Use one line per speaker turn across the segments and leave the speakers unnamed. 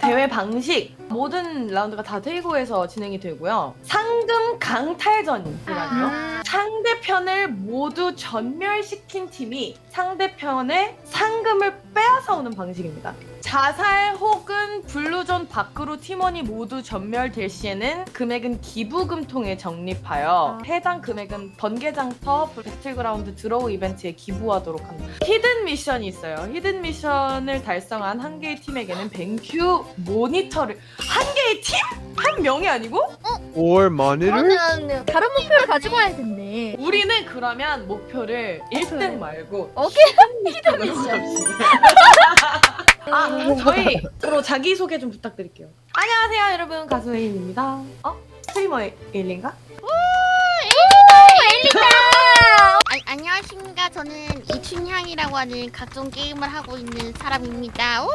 대회 방식 모든 라운드가 다 테이고에서 진행이 되고요. 상금 강탈전이라고요. 상대편을 모두 전멸시킨 팀이 상대편의 상금을 빼앗아오는 방식입니다. 자살 혹은 블루존 밖으로 팀원이 모두 전멸될 시에는 금액은 기부금통에 적립하여 해당 금액은 번개장터 배틀그라운드 드로우 이벤트에 기부하도록 합니다. 히든 미션이 있어요. 히든 미션을 달성한 한 개의 팀에게는 뱅큐 모니터를 한 개의 팀? 한 명이 아니고?
5월 만일을?
그러면 다른 목표를 가지고 와야겠네.
우리는 그러면 목표를 1등 말고
오케이.
히든 미션. 저희 서로 자기소개 좀 부탁드릴게요. 안녕하세요 여러분, 가수 에일입니다. 스트리머 에일인가?
안녕하십니까. 저는 이춘향이라고 하는 각종 게임을 하고 있는 사람입니다.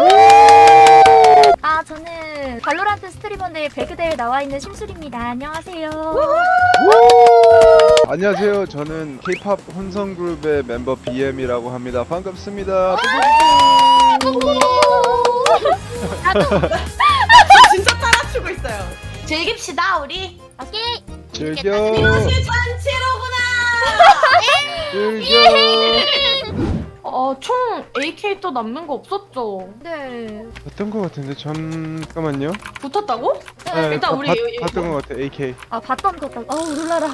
저는 발로란트 스트리머인데 배그대에 나와 있는 심술입니다. 안녕하세요.
안녕하세요. 저는 K-팝 혼성그룹의 멤버 BM이라고 합니다. 반갑습니다.
진짜 따라추고 있어요. 즐깁시다 우리.
오케이.
즐겨.
이것이 잔치로구나.
즐겨.
총 AK 또 남는 거 없었죠?
네.
봤던 것 같은데 잠깐만요.
붙었다고?
네,
일단 우리
봤던 것 같아. AK.
봤던 것 같다. 놀라라.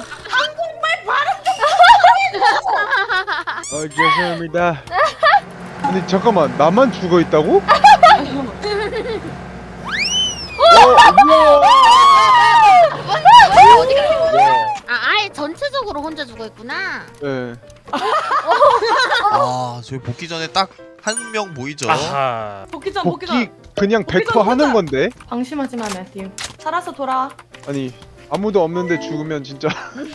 죄송합니다. 아니 잠깐만, 나만 죽어 있다고?
어디 가는 아예 전체적으로 혼자 죽어 있구나.
네.
저희 복귀 전에 딱 한 명 보이죠?
복귀전.
복귀 그냥
복귀
100%
전
하는
혼자.
건데.
방심하지 마 매튜. 살아서 돌아와.
아니 아무도 없는데 죽으면 진짜.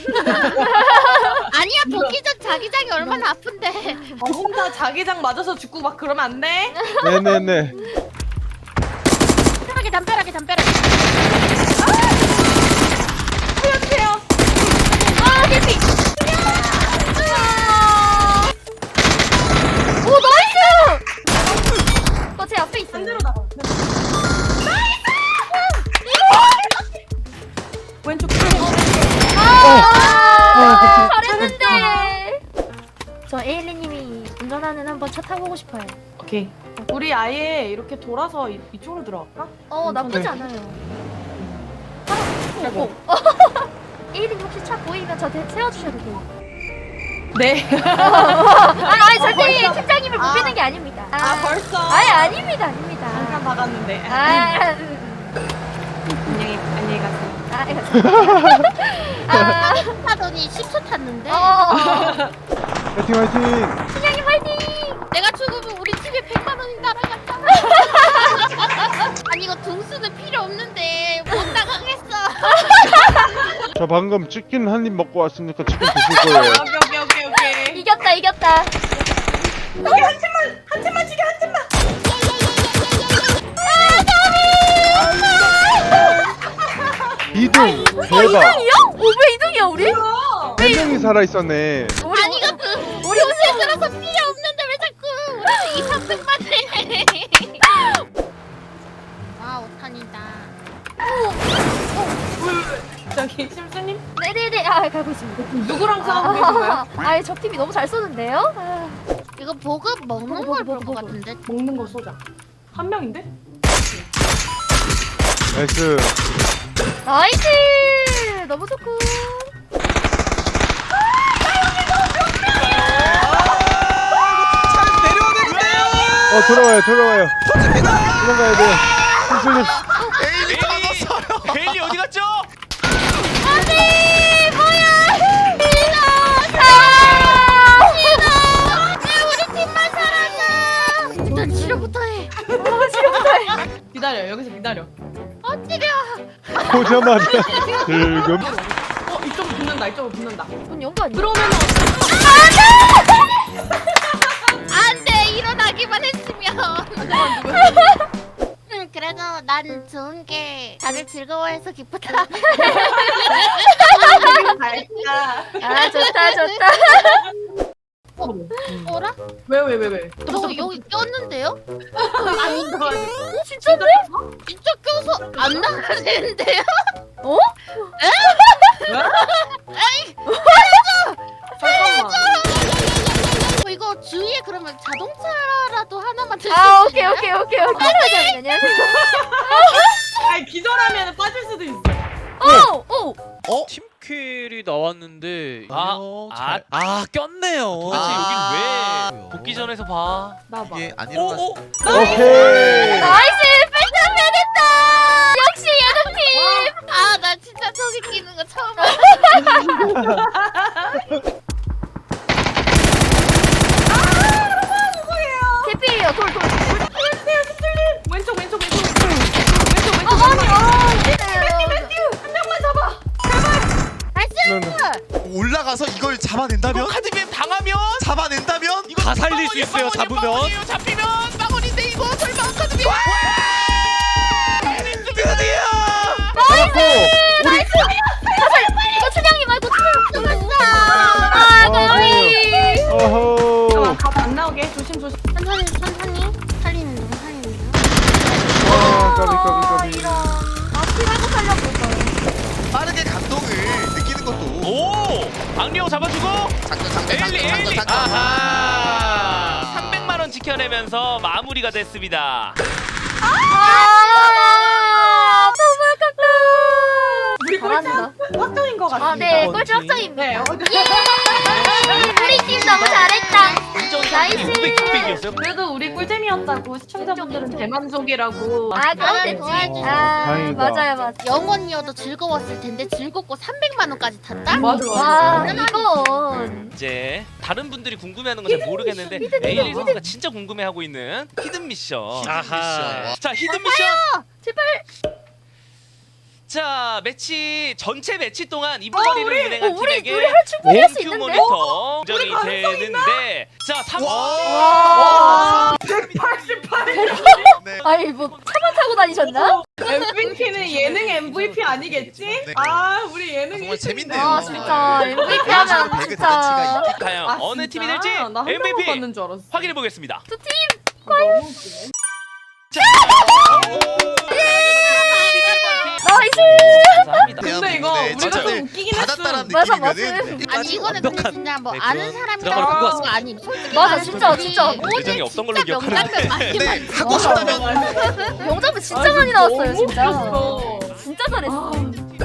아니야, 복귀 전 자기장이 얼마나 아픈데.
혼자 자기장 맞아서 죽고 막 그러면 안 돼.
네네네.
담벼락에.
살려주세요.
개피.
오 나이스! 제 앞에 있어요.
한 대로 나가. 왼쪽
잘했는데. 저 에일리님이 운전하는 한번 차 타보고 싶어요.
오케이. 우리 아예 이렇게 돌아서 이쪽으로 들어갈까?
나쁘지
네.
않아요.
그리고
에일리님 혹시 차 보이면 저 세워주셔도 돼요.
네.
절대 팀장님을 못 비는 게 아닙니다.
벌써.
아닙니다.
잠깐 박았는데. 안녕히 가세요.
타더니 10초 탔는데.
화이팅 화이팅.
팀장님 화이팅!
내가 죽으면 우리 집에 100만 원이 날아갔잖아. 아니 이거 등수는 필요 없는데 못 나가겠어.
저 방금 치킨 한 입 먹고 왔으니까 치킨 드실 거예요.
오케이.
이겼다.
여기 한 팀만 죽여, 한 팀만.
이등 대박.
2등이요? 왜 2등이야 우리?
한 명이 살아 있었네.
아니 이거 우리 옷에 들어서 필요 없는데 왜 자꾸 우리는 2, 3등만 해. 와 5탄이다.
저기 심수님
네네네. 가고 있습니다.
누구랑 싸우고 계신 거예요?
적 팀이 너무 잘 쏘는데요?
이거 보급 먹는 걸 볼 것 같은데.
먹는 거 쏘자. 한 명인데?
나이스.
나이스! 너무 좋고.
내려오는데요.
돌아와요. 도망가야 돼요. 힘술님.
에일리 떨어졌어요. 에일리 어디 갔죠?
안돼! 뭐야!
왜 우리 팀만 살았나? 일단 치료부터 해.
기다려. 여기서 기다려.
엎드려.
보자마자 즐금.
이쪽으로 붙는다.
문 연거 아니야?
들어오면은
안돼 일어나기만 했으면. 그래도 난 좋은 게 다들 즐거워해서 기쁘다.
갈까?
좋다.
어라?
왜?
저 여기 꼈는데요?
아닌가?
진짜네? 진짜 껴서 안 나가는데요?
잠깐만.
이거 주위에 그러면 자동차라도 하나만 들수
아 오케이
있나요?
오케이 오케이 오케이. 안녕하세요.
아니 기절하면 빠질 수도 있어.
오.
팀킬이 나왔는데
잘-
꼈네요.
도대체
여긴
왜
복귀전에서 봐.
나봐.
이게 안 일어났어.
오케이.
나이스 펜타맨 했다. 역시 예능팀.
아, 나 진짜 저기 끼는 거 처음 봐.
개필이에요. 돌.
왼쪽.
아니
올라가서 이걸 잡아낸다면?
카드빔 당하면
잡아낸다면? 이거
다 살릴 수 있어요. 잡으면.
잡히면 빵원인데 이거 설마 없거든요. 드디어!
잡았고 우리
이거 춘향이 말고 춘향. 아
어허. 어허.
잠깐만 안 나오게 조심.
천천히 살리는 중.
아, 까비.
이런. 피 말고 살려볼까요?
빠르게 감동을 느끼는 것도
오! 박리호 잡아주고
장전.
아하! 300만 원 지켜내면서 마무리가 됐습니다.
너무 아깝다.
우리
잘한다.
꼴찌 확정인 것 같습니다.
네, 꼴찌 확정입니다.
네.
우리 팀 너무 잘했다. 나이스.
600이었어요.
그래도 우리 꿀잼이었다고 시청자분들은 대만족이라고.
아, 그렇겠지.
도와줘.
아,
다행이다.
맞아요.
영원이어도 즐거웠을 텐데 즐겁고 300만 원까지 탔다?
맞아.
와, 이건.
이제 다른 분들이 궁금해하는 건 잘 모르겠는데 에일리 선수가 진짜 궁금해하고 있는 히든 미션.
아하.
자, 히든 미션.
제발.
자, 전체 매치 동안 이부거리를 운행한
우리
팀에게
할 충분히 할 수
큐
있는데?
모니터
우리
인정이
가능성
되는데 자, 3번.
와. 188.
네.
아니, 뭐, 차만 타고 다니셨나?
MVP는 예능 MVP 아니겠지?
네.
아, 우리 예능
정말
1등인데.
재밌네요.
아, 진짜. MVP 하면
배그
진짜.
자체가
과연 어느 팀이 될지
나 한명만
MVP
받는 줄 알았어.
확인해 보겠습니다.
너무 웃기네.
자,
나이스.
감사합니다.
근데 이거
네,
우리가
진짜
좀 웃기긴
받았다라는
했어.
맞아,
느낌이면은
아니 이거는 근데 진짜 뭐
네,
아는
그런
사람이라고
드라마를
하는
보고
거 아님. 솔직히
맞아,
말해서
진짜,
우리
진짜.
오늘
예정이 없던 걸로
진짜
기억하는데.
명장면 많이
네,
봤어.
하고 싶다면
영점은 진짜 많이 나왔어요, 진짜.
너무 웃겼어.
진짜 잘했어.